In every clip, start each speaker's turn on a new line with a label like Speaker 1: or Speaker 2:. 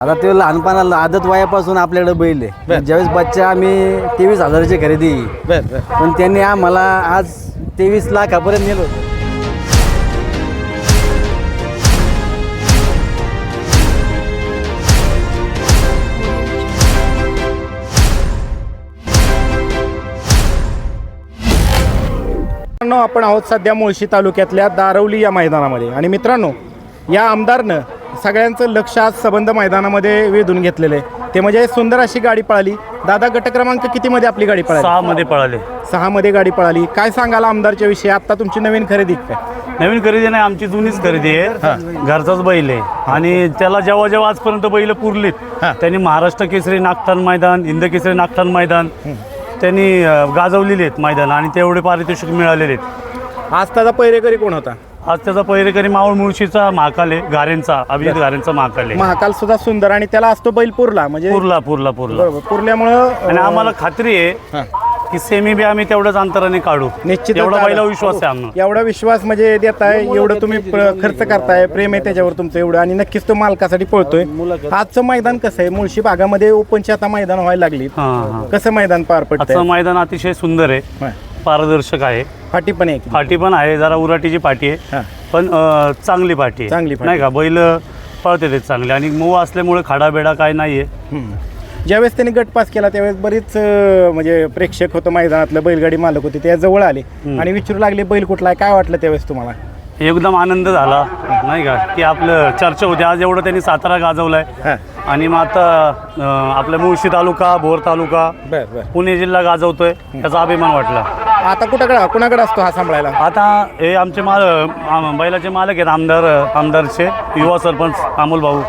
Speaker 1: आपण आहोत सध्या मुळशी तालुक्यातल्या दारवली या मैदानामध्ये. आणि मित्रांनो, या आमदारनं सगळ्यांचं लक्ष आज सबंध मैदानामध्ये वेधून घेतलेलं आहे. ते म्हणजे सुंदर अशी गाडी पळाली. दादा, गट क्रमांक कितीमध्ये आपली गाडी पळाली?
Speaker 2: 6 मध्ये पळाले.
Speaker 1: 6 मध्ये गाडी पळाली. काय सांगाल आमदारच्या विषयी? आता तुमची नवीन खरेदी काय?
Speaker 2: नवीन खरेदी नाही, आमची जुनीच खरेदी आहे. घरचाच बैल आहे आणि त्याला जेव्हा जेव्हा आजपर्यंत बैल पुरलीत त्यांनी महाराष्ट्र केसरी नागठाण मैदान, हिंद केसरी नागठाण मैदान त्यांनी गाजवलेले आहेत मैदान आणि तेवढे पारितोषिक मिळालेले आहेत.
Speaker 1: आज त्याचा पहिरेकरी कोण होता?
Speaker 2: आज त्याचा पहिरेकरी मावळ मुळशीचा महाकाल आहे, गारेंचा अभिजित गारेंचा महाकाल आहे.
Speaker 1: महाकाल सुद्धा सुंदर आणि त्याला असतो बैल पुरला म्हणजे
Speaker 2: पुरला
Speaker 1: बरोबर, पुरल्यामुळं
Speaker 2: आणि आम्हाला खात्री आहे की सेमी बी आम्ही तेवढ्याच अंतराने काढू.
Speaker 1: निश्चित
Speaker 2: एवढा पहिला विश्वास आहे आम्हाला.
Speaker 1: एवढा विश्वास म्हणजे देताय, एवढं तुम्ही खर्च करताय, प्रेम आहे त्याच्यावर तुमचं एवढं, आणि नक्कीच तो मालकासाठी पळतोय. आजचं मैदान कसं आहे? मुळशी भागामध्ये ओपनची आता मैदान व्हायला लागली. कसं मैदान पार पडतं?
Speaker 2: आजचं मैदान अतिशय सुंदर आहे, पारदर्शक आहे.
Speaker 1: फाटी पण आहे,
Speaker 2: फाटी पण आहे, जरा उराटीची पाटी आहे पण चांगली पाटी आहे, नाही का? बैल पळते ते चांगले आणि मऊ असल्यामुळे खाडाबेडा काय नाहीये.
Speaker 1: ज्यावेळेस त्यांनी गट पास केला त्यावेळेस बरीच म्हणजे प्रेक्षक होतं मैदानातलं, बैलगाडी मालक होते, त्या जवळ आले आणि विचारू लागले बैल कुठला आहे. काय वाटलं त्यावेळेस तुम्हाला?
Speaker 2: एकदम आनंद झाला, नाही का, की आपलं चर्चा होती. आज एवढं त्यांनी सातारा गाजवलाय आणि मग आता आपल्या मुळशी तालुका, भोर तालुका, पुणे जिल्हा गाजवतोय, त्याचा अभिमान वाटला.
Speaker 1: आता कुणाकडे असतो हा सांभाळायला?
Speaker 2: आता हे आमचे बैलाचे मालक आहेत, आमदारचे युवा सरपंच अमोल भाऊ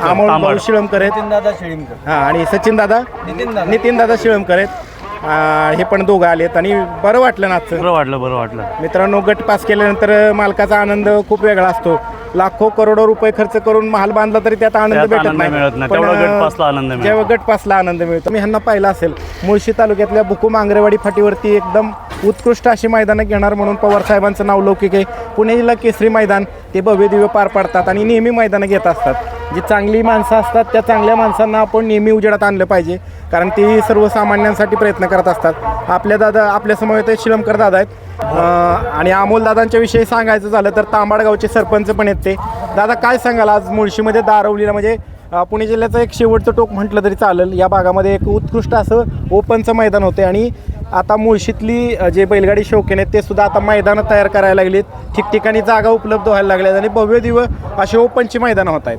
Speaker 1: शिळमकर आहेत आणि सचिन दादा नितीन दादा शिळमकर आहेत. हे पण दोघं आलेत आणि बरं वाटलं ना?
Speaker 2: बरं वाटलं.
Speaker 1: मित्रांनो, गट पास केल्यानंतर मालकाचा आनंद खूप वेगळा असतो. लाखो करोडो रुपये खर्च करून महाल बांधला तरी त्यात आनंद भेटत नाही. जेव्हा गट पासला आनंद मिळतो. मी ह्यांना पाहिलं असेल, मुळशी तालुक्यातल्या बुकुम आंगरेवाडी फाटीवरती एकदम उत्कृष्ट अशी मैदानं घेणार म्हणून पवार साहेबांचं नाव लौकिक आहे. पुणे जिल्हा केसरी मैदान ते भव्य दिव्य पार पाडतात आणि नेहमी मैदानं घेत असतात. जी चांगली माणसं असतात त्या चांगल्या माणसांना आपण नेहमी उजेडात आणलं पाहिजे, कारण ती सर्वसामान्यांसाठी प्रयत्न करत असतात. आपल्या समोर ते शिळमकर दादा आहेत आणि अमोल दादांच्या विषयी सांगायचं झालं तर तांबाडगावचे सरपंच पण आहेत ते. दादा, काय सांगाल? आज मुळशीमध्ये दारवलीला म्हणजे पुणे जिल्ह्याचं एक शेवटचं टोक म्हटलं तरी चालेल, या भागामध्ये एक उत्कृष्ट असं ओपनचं मैदान होते आणि आता मुळशीतली जे बैलगाडी शौकीन आहेत ते सुद्धा आता मैदानं तयार करायला लागलीत. ठिकठिकाणी जागा उपलब्ध व्हायला लागल्यात आणि भव्य दिव्य अशी ओपनची मैदानं होत आहेत.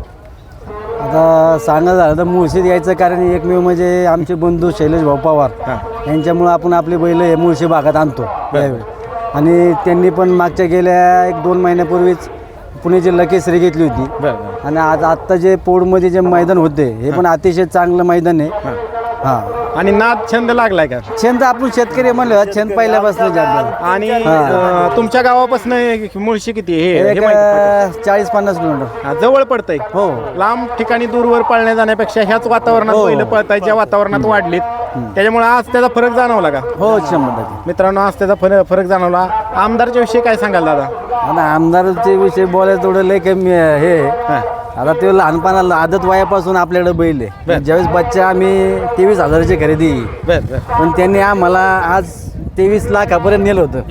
Speaker 3: आता सांगा झालं तर मुळशीत यायचं कारण एकमेव म्हणजे आमचे बंधू शैलेश भाऊ पवार यांच्यामुळं आपण आपले बैल हे मुळशी भागात आणतो यावेळी. आणि त्यांनी पण मागच्या गेल्या 1-2 महिन्यापूर्वीच पुणे जिल्हा केसरी घेतली होती आणि आज आत्ता जे पोडमध्ये जे मैदान होते हे पण अतिशय चांगलं मैदान आहे.
Speaker 1: आणि नाद छंद लागलाय का?
Speaker 3: छंद आपण शेतकरी म्हणलं, छंद पहिल्यापासून जात.
Speaker 1: आणि तुमच्या गावापासून मुळशी किती? हे
Speaker 3: 40-50 किलोमीटर
Speaker 1: जवळ पडतंय.
Speaker 3: हो,
Speaker 1: लांब ठिकाणी दूरवर पळण्या जाण्यापेक्षा ह्याच वातावरणात बैल पळताय, ज्या वातावरणात वाढलीत, त्याच्यामुळे आज त्याचा फरक जाणवला का?
Speaker 3: हो, 100%.
Speaker 1: मित्रांनो, आज त्याचा फरक जाणवला. आमदारच्या विषयी काय सांगाल दादा?
Speaker 3: आता आमदारच्या विषयी बोलायचं थोडं लय कमी हे. आता ते लहानपणाला आदत वयापासून आपल्याकडे बैल आहे. ज्यावेळेस बच्चा आम्ही 23,000ची खरेदी, पण त्यांनी आम्हाला आज 23 लाखापर्यंत नेलं होतं.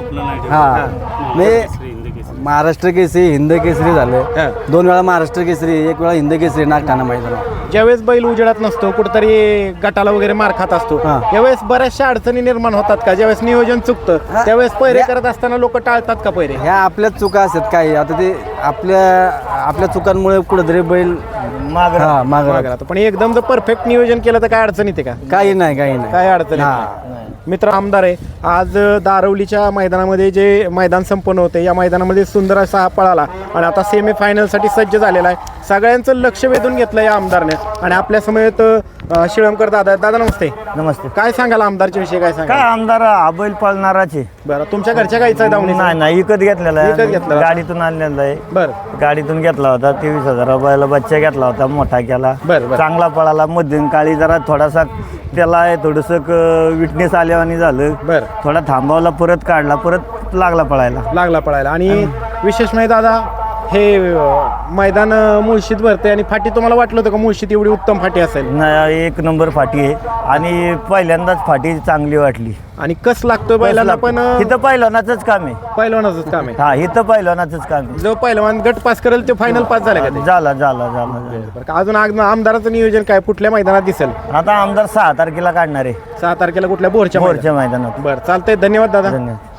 Speaker 3: महाराष्ट्र केसरी, हिंद केसरी झालं, 2 वेळा महाराष्ट्र केसरी, 1 वेळा हिंद केसरी नागठाणा मैदान.
Speaker 1: ज्यावेळेस बैल उजेडात नसतो, कुठेतरी गटाला वगैरे मार खात असतो, त्यावेळेस बऱ्याचशा अडचणी निर्माण होतात का? ज्यावेळेस नियोजन चुकतं त्यावेळेस पहिरे करत असताना लोक टाळतात का पहिरे?
Speaker 3: ह्या आपल्याच चुका असतात काही. आता ते आपल्या चुकांमुळे कुठेतरी बैल मागं राहतो.
Speaker 1: पण एकदम जर परफेक्ट नियोजन केलं तर काय अडचण येते का?
Speaker 3: काही नाही
Speaker 1: काय अडचण नाही. मित्र, आमदार आहे आज दारवलीच्या मैदानामध्ये जे मैदान संपन्न होते, या मैदानामध्ये सुंदर असा हा पळाला आणि आता सेमी फायनलसाठी सज्ज झालेला आहे. सगळ्यांचं लक्ष वेधून घेतलं या आमदारने आणि आपल्या समवेत शिळमकर दादा. दादा नमस्ते.
Speaker 4: नमस्ते.
Speaker 1: काय सांगाल आमदारच्या विषयी? काय सांगा?
Speaker 4: काय आमदार हा बैल पाळणाराचे.
Speaker 1: बरं, तुमच्या घरच्या गाईचा दावणी?
Speaker 4: नाही, विकत घेतलेला आहे.
Speaker 1: विकत घेतला?
Speaker 4: गाडीतून आणलेला आहे.
Speaker 1: बरं,
Speaker 4: गाडीतून घेतला होता. 23,000 रुपयाला बच्चा घेतला होता, मोठा केला,
Speaker 1: बरं.
Speaker 4: चांगला पळाला. मध्यम काळी जरा थोडासा त्याला थोडंसं विटनेस आल्यावानी झालं.
Speaker 1: बरं,
Speaker 4: थोडा थांबवला, परत काढला, परत लागला पळायला.
Speaker 1: आणि विशेष म्हणजे दादा हे मैदान मुळशीत भरते आणि फाटी तुम्हाला वाटलं होतं का मुळशीत एवढी उत्तम फाटी असेल?
Speaker 4: नाही, एक नंबर फाटी आहे आणि पहिल्यांदाच फाटी चांगली वाटली.
Speaker 1: आणि कस लागतोय बैलांना पण
Speaker 4: इथं पहिलवानाचंच काम आहे.
Speaker 1: पहिलवानाचंच काम आहे.
Speaker 4: हा, इथं पहिलवानाचंच काम आहे.
Speaker 1: जो पहिलवान गट पास करेल ते फायनल पास झाले का ते?
Speaker 4: झाला.
Speaker 1: बरं का, अजून आमदाराचं नियोजन काय कुठल्या मैदानात दिसेल?
Speaker 4: आता आमदार 6 तारखेला काढणार आहे.
Speaker 1: 6 तारखेला कुठल्या बोरच्या
Speaker 4: मैदानात.
Speaker 1: बरं, चालतंय. धन्यवाद दादा.
Speaker 4: धन्यवाद.